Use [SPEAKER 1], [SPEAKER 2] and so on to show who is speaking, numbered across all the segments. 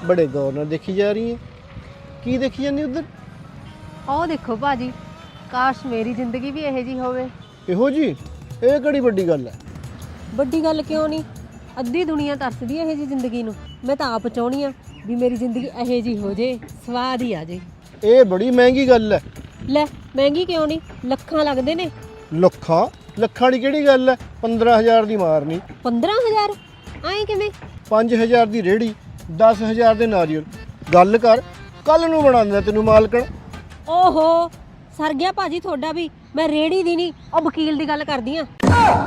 [SPEAKER 1] बड़े गौर नाल देखी जा रही है। की देखी जानी उधर?
[SPEAKER 2] ਉਹ ਦੇਖੋ ਭਾਜੀ, ਕਾਸ਼ ਮੇਰੀ ਜ਼ਿੰਦਗੀ ਵੀ ਇਹੋ ਜਿਹੀ ਹੋਵੇ।
[SPEAKER 1] ਇਹੋ ਜੀ? ਇਹ ਕਿਹੜੀ ਵੱਡੀ ਗੱਲ ਹੈ?
[SPEAKER 2] ਵੱਡੀ ਗੱਲ ਕਿਉਂ ਨਹੀਂ, ਅੱਧੀ ਦੁਨੀਆ ਤਰਸਦੀ ਇਹੋ ਜਿਹੀ ਜ਼ਿੰਦਗੀ ਨੂੰ। ਮੈਂ ਤਾਂ ਆਪ ਚਾਹੁੰਦੀ ਆ ਵੀ ਮੇਰੀ ਜ਼ਿੰਦਗੀ ਇਹੋ ਜਿਹੀ ਹੋ ਜੇ, ਸਵਾਦ ਹੀ ਆ ਜੇ।
[SPEAKER 1] ਇਹ ਬੜੀ ਮਹਿੰਗੀ ਗੱਲ ਹੈ।
[SPEAKER 2] ਲੈ ਮਹਿੰਗੀ ਕਿਉਂ ਨਹੀਂ, ਲੱਖਾਂ ਲੱਗਦੇ ਨੇ।
[SPEAKER 1] ਲੱਖਾਂ? ਲੱਖਾਂ ਦੀ ਕਿਹੜੀ ਗੱਲ ਹੈ? 15,000 ਦੀ ਮਾਰਨੀ।
[SPEAKER 2] 15,000 ਐਂ ਕਿਵੇਂ?
[SPEAKER 1] 5,000 ਦੀ ਰੇੜੀ, 10,000 ਦੇ ਨਾਰੀਅਲ। ਗੱਲ ਕਰ, ਕੱਲ ਨੂੰ ਬਣਾ ਦਿੰਦਾ ਤੈਨੂੰ ਮਾਲਕਣ।
[SPEAKER 2] ਓਹੋ ਸਰ ਗਿਆ ਭਾਜੀ ਤੁਹਾਡਾ ਵੀ। ਮੈਂ ਰੇੜੀ ਦੀ ਨਹੀਂ, ਉਹ ਵਕੀਲ ਦੀ ਗੱਲ ਕਰਦੀ ਆ।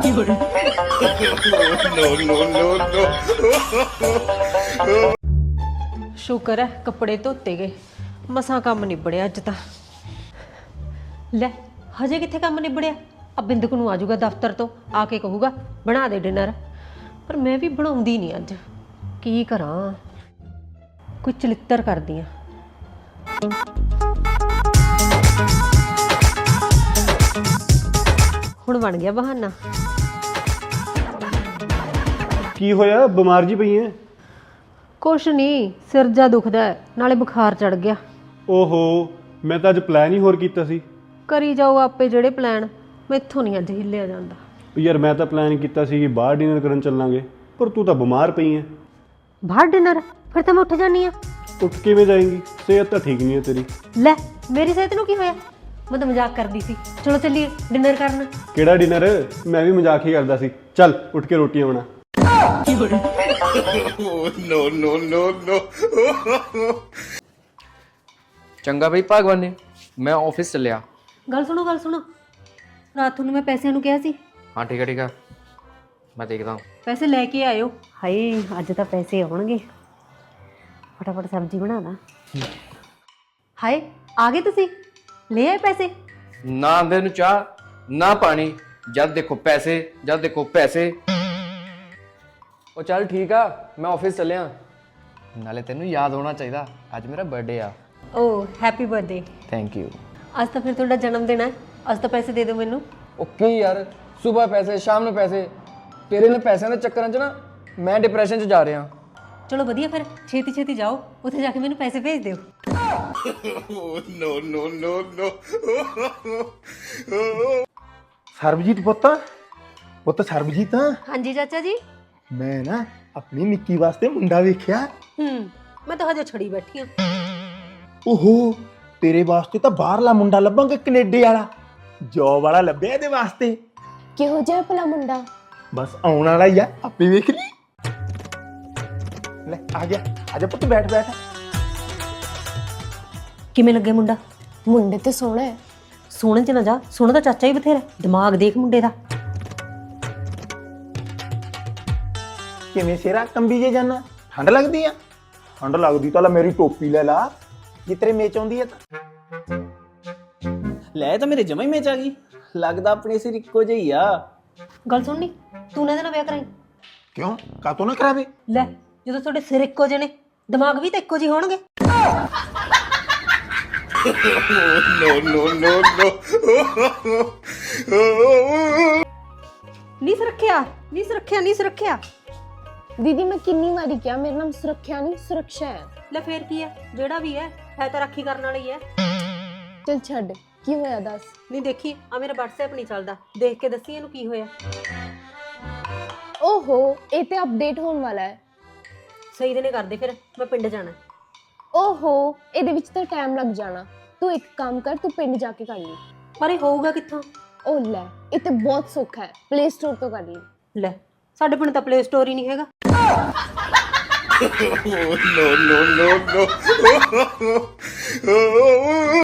[SPEAKER 2] ਸ਼ੁਕਰ ਹੈ ਕੱਪੜੇ ਧੋਤੇ ਗਏ, ਮਸਾਂ ਕੰਮ ਨਿਬੜਿਆ ਅੱਜ ਤਾਂ। ਲੈ ਹਜੇ ਕਿੱਥੇ ਕੰਮ ਨਿਬੜਿਆ? ਆ ਬਿੰਦਕ ਨੂੰ ਆਜੂਗਾ ਦਫ਼ਤਰ ਤੋਂ, ਆ ਕੇ ਕਹੂਗਾ ਬਣਾ ਦੇ ਡਿਨਰ, ਪਰ ਮੈਂ ਵੀ ਬਣਾਉਂਦੀ ਨਹੀਂ ਅੱਜ। ਕੀ ਕਰਾਂ, ਕੋਈ ਚਲਿੱਤਰ ਕਰਦੀ ਆ। ਹੁਣ ਬਣ ਗਿਆ ਬਹਾਨਾ।
[SPEAKER 3] ਕੀ ਹੋਇਆ, ਬਿਮਾਰ ਜੀ ਪਈ ਐ?
[SPEAKER 2] ਕੁਛ ਨਹੀਂ, ਸਿਰ ਜਾ ਦੁਖਦਾ ਹੈ, ਨਾਲੇ ਬੁਖਾਰ ਚੜ ਗਿਆ।
[SPEAKER 3] ਓਹੋ, ਮੈਂ ਤਾਂ ਅੱਜ ਪਲਾਨ ਹੀ ਹੋਰ ਕੀਤਾ ਸੀ।
[SPEAKER 2] ਕਰੀ ਜਾਓ ਆਪੇ ਜਿਹੜੇ ਪਲਾਨ, ਮੈਥੋਂ ਨਹੀਂ ਅੱਜ ਹਿੱਲਿਆ ਜਾਂਦਾ।
[SPEAKER 3] ਯਾਰ ਮੈਂ ਤਾਂ ਪਲਾਨ ਕੀਤਾ ਸੀ ਕਿ ਬਾਹਰ ਡਿਨਰ ਕਰਨ ਚੱਲਾਂਗੇ, ਪਰ ਤੂੰ ਤਾਂ ਬਿਮਾਰ ਪਈ ਐ।
[SPEAKER 2] ਬਾਹਰ ਡਿਨਰ? ਫਿਰ ਤਾਂ ਮੈਂ ਉੱਠ ਜਾਨੀ ਆ।
[SPEAKER 3] ਉੱਠ ਕਿਵੇਂ ਜਾਏਂਗੀ? ਸਿਹਤ ਤਾਂ ਠੀਕ ਨਹੀਂ ਹੈ ਤੇਰੀ।
[SPEAKER 2] ਲੈ ਮੇਰੀ ਸਿਹਤ ਨੂੰ ਕੀ ਹੋਇਆ? ਮੈਂ ਤਾਂ ਮਜ਼ਾਕ ਕਰਦੀ ਸੀ। ਚਲੋ ਚੱਲੀਏ ਡਿਨਰ ਕਰਨ।
[SPEAKER 3] ਕਿਹੜਾ ਡਿਨਰ? ਮੈਂ ਵੀ ਮਜ਼ਾਕ ਹੀ ਕਰਦਾ ਸੀ। ਚੱਲ ਉੱਠ ਕੇ ਰੋਟੀਆਂ ਬਣਾ।
[SPEAKER 4] ਚੰਗਾ ਬਈ ਭਗਵਾਨ, ਮੈਂ ਆਫਿਸ ਚੱਲਿਆ।
[SPEAKER 2] ਗੱਲ ਸੁਣੋ, ਰਾਤ ਨੂੰ ਮੈਂ ਪੈਸਿਆਂ ਨੂੰ ਕਿਹਾ ਸੀ।
[SPEAKER 4] ਹਾਂ ਠੀਕ ਹੈ, ਮੈਂ ਦੇਖਦਾ ਹਾਂ।
[SPEAKER 2] ਪੈਸੇ ਲੈ ਕੇ ਆਇਓ। ਹਾਏ ਅੱਜ ਤਾਂ ਪੈਸੇ ਆਉਣਗੇ, ਫਟਾਫਟ ਸਬਜ਼ੀ ਬਣਾ ਦਾਂ। ਹਾਏ ਆ ਗਏ ਤੁਸੀਂ, ਲੈ ਆਏ ਪੈਸੇ?
[SPEAKER 4] ਨਾ ਆਂਦੇ ਨੂੰ ਚਾਹ ਨਾ ਪਾਣੀ, ਜਦ ਦੇਖੋ ਪੈਸੇ, ਜਦ ਦੇਖੋ ਪੈਸੇ। ਉਹ ਚੱਲ ਠੀਕ ਆ, ਮੈਂ ਆਫਿਸ ਚੱਲਿਆ। ਨਾਲੇ ਤੈਨੂੰ ਯਾਦ ਹੋਣਾ ਚਾਹੀਦਾ, ਅੱਜ ਮੇਰਾ ਬਰਥਡੇ ਆ।
[SPEAKER 2] ਓ ਹੈਪੀ ਬਰਥਡੇ।
[SPEAKER 4] Thank you.
[SPEAKER 2] ਅੱਜ ਤਾਂ ਫਿਰ ਤੁਹਾਡਾ ਜਨਮ ਦਿਨ ਹੈ, ਅੱਜ ਤਾਂ ਪੈਸੇ ਦੇ ਦਿਓ ਮੈਨੂੰ।
[SPEAKER 4] ਓਕੇ ਯਾਰ, ਸਵੇਰ ਪੈਸੇ ਸ਼ਾਮ ਨੂੰ ਪੈਸੇ, ਤੇਰੇ ਨੇ ਪੈਸਿਆਂ ਦੇ ਚੱਕਰਾਂ 'ਚ ਨਾ ਮੈਂ ਡਿਪਰੈਸ਼ਨ 'ਚ ਜਾ ਰਿਹਾ।
[SPEAKER 2] ਚਲੋ ਵਧੀਆ, ਫਿਰ ਛੇਤੀ ਛੇਤੀ ਜਾਓ, ਉੱਥੇ ਜਾ ਕੇ ਮੈਨੂੰ ਪੈਸੇ ਭੇਜ ਦਿਓ।
[SPEAKER 1] ਸਰਬਜੀਤ ਪੁੱਤ ਸਰਬਜੀਤ।
[SPEAKER 2] ਹਾਂਜੀ ਚਾਚਾ ਜੀ।
[SPEAKER 1] ਮੈਂ ਨਾ ਆਪਣੀ ਨਿੱਕੀ ਵਾਸਤੇ ਮੁੰਡਾ ਵੇਖਿਆ।
[SPEAKER 2] ਮੈਂ ਤਾਂ ਹਜੇ ਛੜੀ ਬੈਠੀ ਆ।
[SPEAKER 1] ਓਹੋ, ਤੇਰੇ ਵਾਸਤੇ ਤਾਂ ਬਾਹਰਲਾ ਮੁੰਡਾ ਲੱਭਾਂਗੇ, ਕੈਨੇਡਾ ਵਾਲਾ। ਜੋਬ ਵਾਲਾ ਲੱਭਿਆ ਇਹਦੇ ਵਾਸਤੇ।
[SPEAKER 5] ਕਿਹੋ ਜਿਹਾ ਭਲਾ ਮੁੰਡਾ?
[SPEAKER 1] ਬਸ ਆਉਣ ਵਾਲਾ ਹੀ ਆ, ਆਪੇ ਵੇਖ ਲਈ। ਲੈ ਆ ਗਿਆ ਪੁੱਤ, ਬੈਠ।
[SPEAKER 2] ਕਿਵੇਂ ਲੱਗੇ ਮੁੰਡਾ?
[SPEAKER 5] ਮੁੰਡੇ ਤੇ ਸੋਹਣਾ ਹੈ।
[SPEAKER 2] ਸੋਹਣੇ ਚ ਨਾ ਜਾ, ਸੋਹਣਾ ਤਾਂ ਚਾਚਾ ਹੀ ਬਥੇਰਾ। ਦਿਮਾਗ ਦੇਖ ਮੁੰਡੇ ਦਾ।
[SPEAKER 1] ਕਿਵੇਂ ਸਿਰਾ ਕੰਬੀ ਜੇ ਜਾਨਾ? ਠੰਡ ਲੱਗਦੀ ਆ? ਠੰਡ ਲੱਗਦੀ ਤਾਂ ਲੈ ਮੇਰੀ ਟੋਪੀ ਲੈ ਲਾ, ਜੇ ਤੇਰੇ ਮੇਚ ਆਉਂਦੀ ਆ ਤਾਂ।
[SPEAKER 6] ਲੈ ਤਾਂ ਮੇਰੇ ਜਮਾ ਹੀ ਮੇਚ ਆ ਗਈ। ਲੱਗਦਾ ਆਪਣੇ ਸਿਰ ਇੱਕੋ ਜਿਹੀ ਆ।
[SPEAKER 2] ਗੱਲ ਸੁਣਨੀ, ਤੂੰ ਨਾ ਇਹਦੇ ਨਾਲ ਵਿਆਹ ਕਰਾਈ।
[SPEAKER 1] ਕਿਉਂ? ਕਾਤੋਂ ਨਾ ਕਰਾਵੇ?
[SPEAKER 2] ਲੈ ਜਦੋਂ ਤੁਹਾਡੇ ਸਿਰ ਇੱਕੋ ਜਿਹੇ ਨੇ, ਦਿਮਾਗ ਵੀ ਤਾਂ ਇੱਕੋ ਜਿਹੇ ਹੋਣਗੇ। ਨਹੀਂ ਸੁਰੱਖਿਆ।
[SPEAKER 5] ਦੀਦੀ ਮੈਂ ਕਿੰਨੀ ਵਾਰੀ ਕਿਹਾ, ਮੇਰਾ ਨਾਮ ਸੁਰੱਖਿਆ ਨਹੀਂ ਸੁਰੱਖਿਆ ਹੈ।
[SPEAKER 2] ਲੈ ਫੇਰ ਕੀ ਹੈ, ਜਿਹੜਾ ਵੀ ਹੈ ਤਾਂ ਰਾਖੀ ਕਰਨ ਵਾਲਾ ਹੀ ਹੈ।
[SPEAKER 5] ਚਲ ਛੱਡ, ਕੀ ਹੋਇਆ ਦੱਸ।
[SPEAKER 2] ਨਹੀਂ ਦੇਖੀ, ਆ ਮੇਰਾ WhatsApp ਨਹੀਂ ਚੱਲਦਾ, ਦੇਖ ਕੇ ਦੱਸੀ ਇਹਨੂੰ ਕੀ ਹੋਇਆ।
[SPEAKER 5] ਓਹੋ, ਇਹ ਤੇ ਅਪਡੇਟ ਹੋਣ ਵਾਲਾ ਹੈ।
[SPEAKER 2] ਸਹੀ ਦਿਨੇ ਕਰਦੇ, ਫਿਰ ਮੈਂ ਪਿੰਡ ਜਾਣਾ।
[SPEAKER 5] ਓਹੋ, ਇਹਦੇ ਵਿੱਚ ਤਾਂ ਟਾਈਮ ਲੱਗ ਜਾਣਾ। ਤੂੰ ਇੱਕ ਕੰਮ ਕਰ, ਤੂੰ ਪਿੰਡ ਜਾ ਕੇ ਕਰ ਲਈ।
[SPEAKER 2] ਪਰ ਇਹ ਹੋਊਗਾ ਕਿੱਥੋਂ?
[SPEAKER 5] ਓ ਲੈ, ਇਹ ਤੇ ਬਹੁਤ ਸੌਖਾ ਹੈ, ਪਲੇ ਸਟੋਰ ਤੋਂ ਕਰ ਲਈ।
[SPEAKER 2] ਲੈ ਸਾਡੇ ਪਿੰਡ ਤਾਂ ਪਲੇ ਸਟੋਰ ਹੀ ਨਹੀਂ ਹੈਗਾ।
[SPEAKER 1] No.